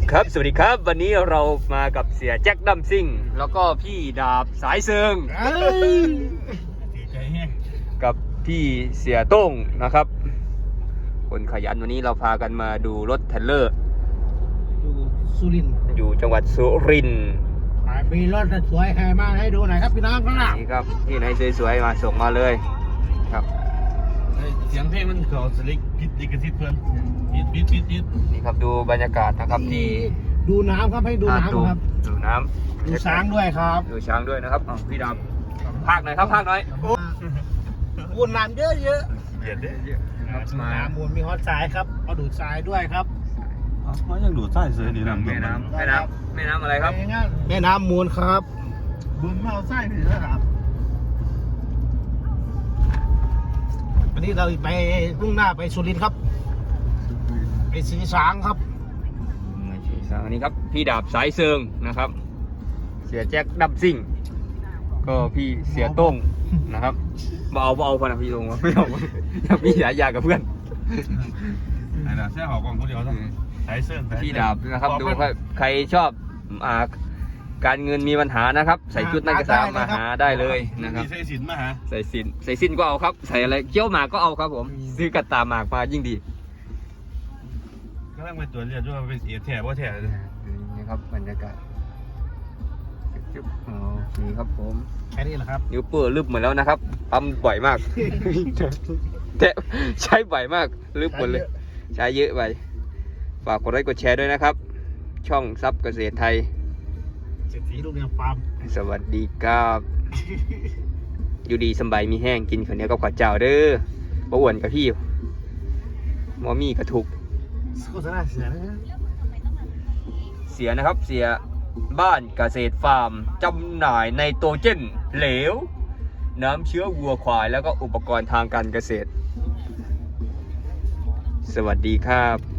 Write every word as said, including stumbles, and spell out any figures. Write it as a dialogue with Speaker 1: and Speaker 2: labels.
Speaker 1: ครับสวัสดีครับวันนี้เรามากับเสียแจ็คดัมซิ่งแล้วก็พี่ดาบสายเซิงกับพี่เสียโต้งนะครับคนขยันวันนี้เราพากันมาดูรถเทรลเลอร์
Speaker 2: อยู่สุรินทร์
Speaker 1: อยู่จังหวัดสุรินทร์
Speaker 2: มีรถสวยแห่มาให้ดูหน่อยครับพี่น้องครับ
Speaker 1: นี่ครับที่ไหนสวยๆมาส่งมาเลยครับ
Speaker 3: เสียงเพลงมันเขาสลิกพิษดิกระทิดเพื่อนพิษพิษพิษพิษ
Speaker 1: นี่ครับดูบรรยากาศนะครับที่
Speaker 2: ดูน้ำครับให้ดูน้ำครับ
Speaker 1: ดูน้ำ
Speaker 2: ดูช้างด้วยครับ
Speaker 1: ดูช้างด้วยนะครับพี่ดาบภาคหน่อยครับภาคหน่อย
Speaker 2: มูลน้ำเยอะเยอะ
Speaker 3: เย็นเด้
Speaker 2: ครับน้ำมูลมีฮอตทรายครับเอาดูดทรายด้วยครับ
Speaker 3: อ๋อยังดูดทรายเสือดีน้ำ
Speaker 1: แม่น้ำแม่น้ำแม่น้ำอะไรครับ
Speaker 2: แม่น้ำมูลครับ
Speaker 3: บุญเมาทรายนี่นะครับ
Speaker 2: วันนี้เราไปมุ่งหน้าไปสุรินทร์ครับไปสีช้างครับ
Speaker 1: สีช้างอันนี้ครับพี่ดาบสายเซิงนะครับเสียแจ็คดัมซิ่งก็พี่เสียโต้งนะครับมาเอามาเอาพนักพี่ตรงวะไม่เอาอยากมีหลายอย่างกับเพื่อน
Speaker 3: ไอ้น่ะแค่หอกองคนเดียวซะสายเซิง
Speaker 1: พี่ดาบนะครับดูว่าใครชอบอ่าการเงินมีปัญหานะครับใส่ชุดนักศึกษามาหาได้เลยนะครับ
Speaker 3: ใส่สินมาฮะ
Speaker 1: ใส่สินใส่สินก็เอาครับใส่อะไรเกี้ยวหมากก็เอาครับผมซื้อกระตาหมากมายิ่งดี
Speaker 3: ก็ต้องไปตรวจเรียนด้วยว่าเป็นเอแถบว่าแถบ
Speaker 1: นี่ครับบรรยากาศจุ๊บโอเคครับผม
Speaker 2: แค่นี้แหละครับ
Speaker 1: นิ้วเปื้อนลึบหมดแล้วนะครับปั๊มบ่อยมากแต่ใช้บ่อยมากลึบหมดเลยใช้เยอะไปฝากกดไลค์กดแชร์ด้วยนะครับช่องซับเกษตรไทย
Speaker 2: เศรษฐีลูกเรือฟาร์ม
Speaker 1: สวัสดีครับอยู่ดีสบายมีแห้งกินข้าวเหนียวกับข้าวเจ้าเด้อบ่อ้วนกับพี่หมอมี่กระทุก
Speaker 2: โฆษณาเสียนะ
Speaker 1: เสียนะครับเสียบ้านเกษตรฟาร์มจำหน่ายไนโตรเจนเหลวน้ำเชื้อวัวควายแล้วก็อุปกรณ์ทางการเกษตรสวัสดีครับ